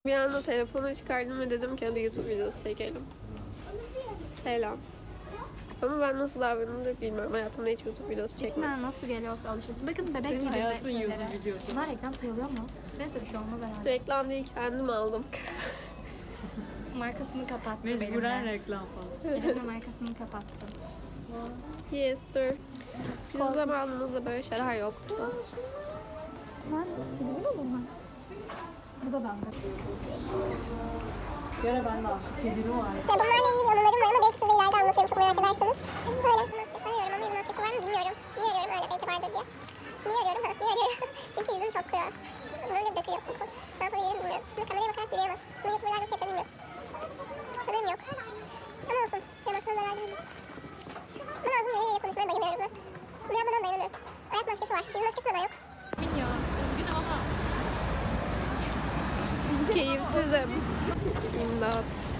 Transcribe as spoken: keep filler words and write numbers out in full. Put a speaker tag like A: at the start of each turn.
A: Bir anda telefonu çıkardım ve dedim ki hadi YouTube videosu çekelim. Selam. Ama ben nasıl davranırım bilmiyorum. Hayatımda hiç YouTube videosu çekmedim.
B: İçinden nasıl geliyorsa alışıyorsun. Bakın bebek
C: Senin
B: gibi
C: hayatın
B: şeylere.
C: YouTube videosu.
B: Bunlar reklam sayılıyor mu? Neyse bir şey olmaz herhalde.
A: Reklam değil, kendim aldım.
B: Markasını kapattı
C: Mecburen
B: benimle.
C: reklam falan.
B: Benimle markasını kapattı.
A: Yes, dur. Bizim zamanımızda böyle şeyler yoktu.
B: Lan silgi mi bunlar? Bu da bende.
C: Bir ara ben de almışım. Kedili var.
D: Ya bunlarla ilgili anılarım var ama belki size ileride anlatırım çok merak ederseniz. Böyle maskesi arıyorum ama yüz maskesi var mı bilmiyorum. Niye arıyorum öyle belki vardır diye. Niye arıyorum? Ha, niye arıyorum? Çünkü yüzüm çok kuru. Böyle dökülüyor koku. Ne yapabilirim bilmiyorum. Şimdi kameraya bakarak yürüyemem. Bunu YouTuber'lar nasıl yapıyor bilmiyorum. Sanırım yok. Ama olsun. Benim aklıma zarar gelmez. Ama ağzım yere yere konuşmaya bayılıyorum ben. Bunu yapmadan dayanamıyorum. Ayak maskesi var. Yüz maskesi neden yok?
B: Bilmiyorum. Üzgünüm ama.
A: Keyifsizim. İmdat.